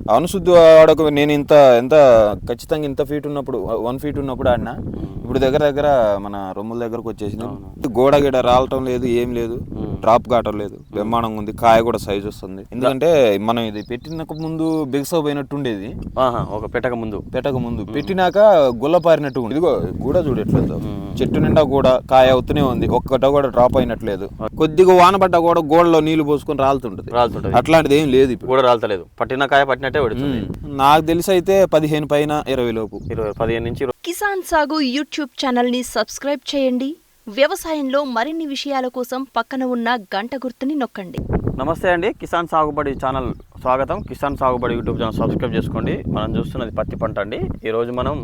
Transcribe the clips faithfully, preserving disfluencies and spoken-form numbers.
అవును శుద్ధి వాడక నేను ఇంత ఎంత ఖచ్చితంగా ఇంత ఫీట్ ఉన్నప్పుడు వన్ ఫీట్ ఉన్నప్పుడు ఆడినా. ఇప్పుడు దగ్గర దగ్గర మన రొమ్ముల దగ్గరకు వచ్చేసింది. గోడ గిడ రాలటం లేదు, ఏం లేదు, డ్రాప్ కావటం లేదు, బ్రహ్మాండంగా ఉంది. కాయ కూడా సైజ్ వస్తుంది. ఎందుకంటే మనం ఇది పెట్టినకు ముందు బిగసపోయినట్టు ఉండేది. ఒక పెట్టక ముందు పెట్టక ముందు పెట్టినాక గుల్లపారినట్టు ఉంది. ఇదిగో గూడ చూడట్లేదు, చెట్టు నిండా కూడా కాయ అవుతూనే ఉంది. ఒక్కట కూడా డ్రాప్ అయినట్లేదు. కొద్దిగా వానబడ్డా కూడా గోడలో నీళ్లు పోసుకొని రాలుతుంటది. రాలుతుంటది అట్లాంటిది ఏం లేదు. ఇప్పుడు కూడా రాలతలేదు. పట్టిన కాయ పట్టినట్టే పడుతుంది. నాకు తెలిసి అయితే పదిహేను పైన ఇరవై లోపు ఇరవై పదిహేను నుంచి కిసాన్ సాగు యూట్యూబ్ ఛానల్ ని సబ్స్క్రైబ్ చేయండి. వ్యవసాయంలో మరిన్ని విషయాల కోసం పక్కన ఉన్న గంట గుర్తుని నొక్కండి. నమస్తే అండి, కిసాన్ సాగుబడి ఛానల్ స్వాగతం. కిసాన్ సాగుబడి యూట్యూబ్ ఛానల్ సబ్స్క్రైబ్ చేసుకోండి. మనం చూస్తున్నది పత్తి పంట అండి. ఈరోజు మనం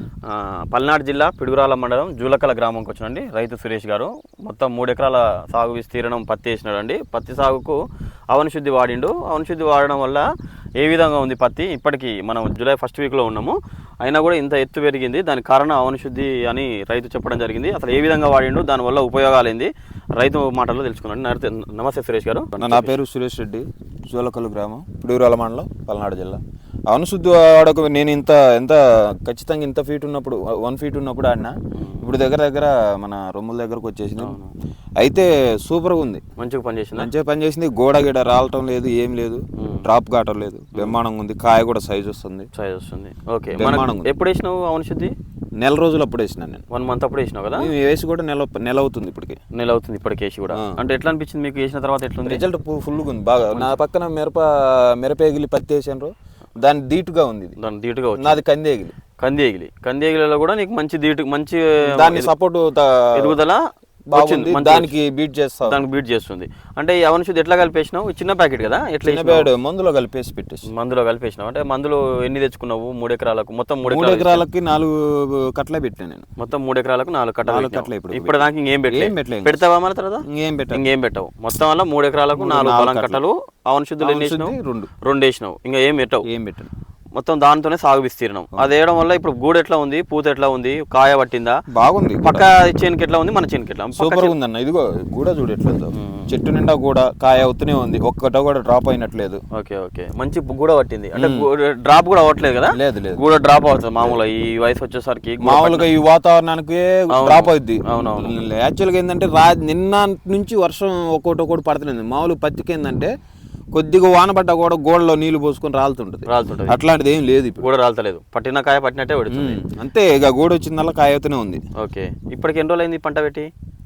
పల్నాడు జిల్లా పిడుగురాల మండలం జూలకల గ్రామంకి వచ్చినండి. రైతు సురేష్ గారు మొత్తం మూడు ఎకరాల సాగు విస్తీర్ణం పత్తి వేసినాడు అండి. పత్తి సాగుకు అవని శుద్ధి వాడిండు. అవని శుద్ధి వాడడం వల్ల ఏ విధంగా ఉంది పత్తి, ఇప్పటికీ మనం జూలై ఫస్ట్ వీక్లో ఉన్నాము, అయినా కూడా ఇంత ఎత్తు పెరిగింది. దానికి కారణం అవని శుద్ధి అని రైతు చెప్పడం జరిగింది. అసలు ఏ విధంగా వాడిండు, దానివల్ల ఉపయోగాలు ఏంది, రైతు మాటల్లో తెలుసుకున్నాండి. నమస్తే సురేష్ గారు. నా పేరు సురేష్ రెడ్డి, జూలకల్లు గ్రామం, పిడుగురాల మండలం, పల్నాడు జిల్లా. అవును శుద్ధి వాడక నేను ఇంత ఎంత ఖచ్చితంగా ఇంత ఫీట్ ఉన్నప్పుడు వన్ ఫీట్ ఉన్నప్పుడు ఆడినా. ఇప్పుడు దగ్గర దగ్గర మన రొమ్ముల దగ్గరకు వచ్చేసింది. అయితే సూపర్గా ఉంది, మంచిగా పనిచేసింది. మంచిగా పనిచేసింది. గోడ గిడ రాలటం లేదు, ఏం లేదు, డ్రాప్ కావటం లేదు, బ్రహ్మాండంగా ఉంది. కాయ కూడా సైజ్ వస్తుంది. సైజ్ వస్తుంది ఓకే. బ్రహ్మాండంగా. ఎప్పుడు వేసినావు అవని శుద్ధి? నెల రోజులు అప్పుడు వేసినాను నేను. వన్ మంత్ అప్పుడు వేసినావు కదా? వేసి కూడా నెల నెల అవుతుంది ఇప్పటికి. నెల అవుతుంది ఇప్పటికి వేసి కూడా. అంటే ఎట్లా అనిపించింది మీకు వేసిన తర్వాత? ఎట్లుంది రిజల్ట్? ఫుల్గా ఉంది, బాగా. నా పక్కన మిరప మిరపేగిలి పత్తి వేసాను, దాని దీటుగా ఉంది. దాని దీటుగా నాది కందేగిలి. కందేగిలి కందేగిలిలో కూడా నీకు మంచి దీటు, మంచి దాని సపోర్ట్ ఎదుగుదల బాగుంది. దానికి బీట్ చేస్తా, దానికి బీట్ చేస్తుంది. అంటే అవని శుద్ధి ఎట్లా కలిపేసినావు? చిన్న ప్యాకెట్ కదా, ఎట్లా మందులో కలిపేసి పెట్టేసి. మందులో కలిపేసినావు అంటే మందులు ఎన్ని తెచ్చుకున్నావు? మూడు ఎకరాలకు మొత్తం మూడు మూడు ఎకరాలకి నాలుగు కట్లే పెట్టాను నేను. మొత్తం మూడు ఎకరాలకు నాలుగు కట్టలు కట్లే. ఇప్పుడు ఇప్పుడు దానికి ఇంకేం పెట్టలేదు. పెడతావా మన తర్వాత? ఇంకేం పెట్టావు? ఇంకేం పెట్టావు. మొత్తం వల్ల మూడు ఎకరాలకు నాలుగు పొలం కట్టలు అవని శుద్ధులు ఎన్ని వేసినావు? రెండు రెండు వేసినావు. ఇంకా ఏం పెట్టావు? ఏం పెట్టాను. మొత్తం దాంతోనే సాగు విస్తీర్ణం. అది వేయడం వల్ల ఇప్పుడు గూడు ఎట్లా ఉంది, పూత ఎట్లా ఉంది, కాయ పట్టిందా? బాగుంది. పక్క చేనుకి ఎట్లా ఉంది, మన చేనుకి ఎట్లా? సూపర్ ఉంది అన్న. ఇదిగో గూడ చూడు ఎట్లేదు, చెట్టు నిండా కూడా కాయ అవుతూనే ఉంది. ఒక్కట కూడా డ్రాప్ అయినట్లేదు. ఓకే ఓకే, మంచి గూడ పట్టింది. అంటే డ్రాప్ కూడా అవ్వట్లేదు కదా? లేదు లేదు, గూడ డ్రాప్ అవుతుంది మామూలుగా ఈ వయసు వచ్చేసరికి. మామూలుగా ఈ వాతావరణానికి డ్రాప్ అవుద్ది. అవునవును. యాక్చువల్గా ఏంటంటే రా నిన్న నుంచి వర్షం ఒక్కోటి ఒక్కోటి పడుతుంది. మామూలు పత్తికి ఏంటంటే కొద్దిగా వానబడ్డా కూడా గోడలో నీళ్లు పోసుకొని రాలుతుంటది. రాలుతుంటది అట్లాంటిది ఏం లేదు. ఇప్పుడు కూడా రాలతలేదు. పట్టిన కాయ పట్టినట్టే పడుతుంది అంతే. ఇక గోడ వచ్చిందల్లా కాయ అవుతూనే ఉంది. ఓకే. ఇప్పటికి ఎన్ని రోజులు అయింది పంట పెట్టి?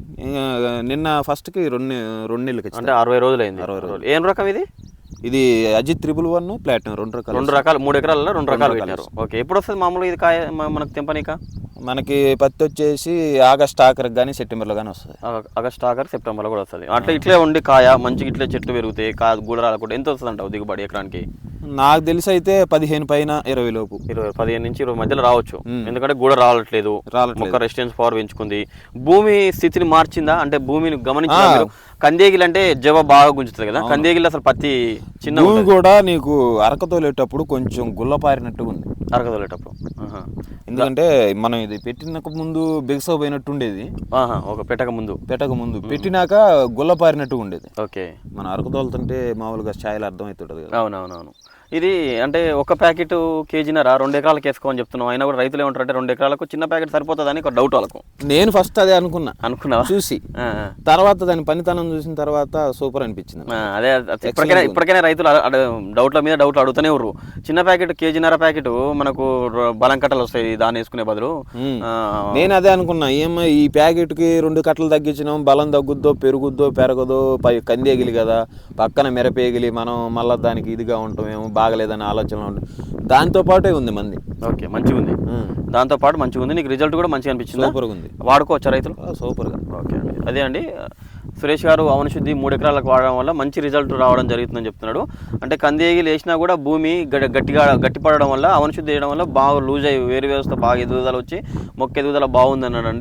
నిన్న ఫస్ట్ కి రెండు రెండు నెలలకి, అంటే అరవై రోజులు అయింది. అరవై రోజులు. ఏం రకం ఇది? ఇది అజిత్ త్రిబుల్ వన్ ప్లాటినం, రెండు రకాలు. రెండు రకాలు మూడు ఎకరాలలో రెండు రకాలు పెట్టారు. ఓకే. ఎప్పుడు వస్తుంది మామూలుగా ఇది కాయ మనకు తెంపనీక? మనకి పత్తి వచ్చేసి ఆగస్ట్ ఆఖరికి కానీ సెప్టెంబర్లో కానీ వస్తుంది. ఆగస్ట్ ఆఖరి సెప్టెంబర్లో కూడా వస్తుంది. అట్లా ఇట్లే ఉండి కాయ మంచిగా ఇట్లే చెట్లు పెరుగుతాయి, కాయ గూడ రాలకుండా ఎంత వస్తుంది అంటావు దిగుబడి ఎకరానికి? నాకు తెలిసి అయితే పదిహేను పైన ఇరవై లోపు. ఇరవై పదిహేను నుంచి ఇరవై మధ్యలో రావచ్చు. ఎందుకంటే గూడ రావట్లేదు, రావట్లేదు. రెసిస్టెన్స్ పవర్ పెంచుకుంది. భూమి స్థితిని మార్చిందా? అంటే భూమిని గమనించా? కందేగిలి అంటే జవ బాగా గుంజుతుంది కదా, కందేగిలి అసలు పత్తి చిన్న భూమి కూడా నీకు అరకతోలేటప్పుడు కొంచెం గుల్లపారినట్టుగా ఉంది. అరకతోలేటప్పుడు ఎందుకంటే మనం ఇది పెట్టినకు ముందు బిగసపోయినట్టు ఉండేది. ఒక పెట్టక ముందు పెట్టక ముందు పెట్టినాక గుల్లపారినట్టుగా ఉండేది. ఓకే. మన అరకతోలుతుంటే మామూలుగా ఛాయలు అర్థమవుతుంటది కదా. అవునవునవును. ఇది అంటే ఒక ప్యాకెట్ కేజీనర రెండు ఎకరాలకు వేసుకోమని చెప్తున్నాం. అయినా కూడా రైతులు ఏమంటారంటే రెండు ఎకరాలకు చిన్న ప్యాకెట్ సరిపోతుందని ఒక డౌట్ వాళ్ళకు. నేను ఫస్ట్ అదే అనుకున్నా అనుకున్నావా చూసి, తర్వాత దాని పనితనం చూసిన తర్వాత సూపర్ అనిపించింది. అదే ఇప్పటికైనా ఇప్పటికైనా రైతులు డౌట్ల మీద డౌట్లు అడుగుతూనే ఉర్రు. చిన్న ప్యాకెట్ కేజీనర ప్యాకెట్ మనకు బలం కట్టలు వస్తాయి దాన్ని వేసుకునే బదులు. నేను అదే అనుకున్నా, ఏమో ఈ ప్యాకెట్ కి రెండు కట్టలు తగ్గించినాం, బలం తగ్గుద్దో పెరుగుద్దో పెరగదో, పై కందేగిలి కదా పక్కన మిరపేగిలి, మనం మళ్ళీ దానికి ఇదిగా ఉంటామేమో, బాగలేదని ఆలోచన ఉంటుంది. దాంతో పాటే ఉంది మంది. ఓకే, మంచిగా ఉంది. దాంతో పాటు మంచిగా ఉంది. నీకు రిజల్ట్ కూడా మంచిగా అనిపించింది? సూపర్గా ఉంది. వాడుకోవచ్చా రైతులు? సూపర్గా. ఓకే అండి. అదే అండి సురేష్ గారు అవని శుద్ధి మూడు ఎకరాలకు వాడడం వల్ల మంచి రిజల్ట్ రావడం జరుగుతుందని చెప్తున్నాడు. అంటే కందేగిలి వేసినా కూడా భూమి గట్టిగా గట్టిపడడం వల్ల అవని శుద్ధి వేయడం వల్ల బాగా లూజ్ అయ్యి వేరు వ్యవస్థ బాగా ఎదుగుదల వచ్చి మొక్క ఎదుగుదల బాగుంది అన్నాడు.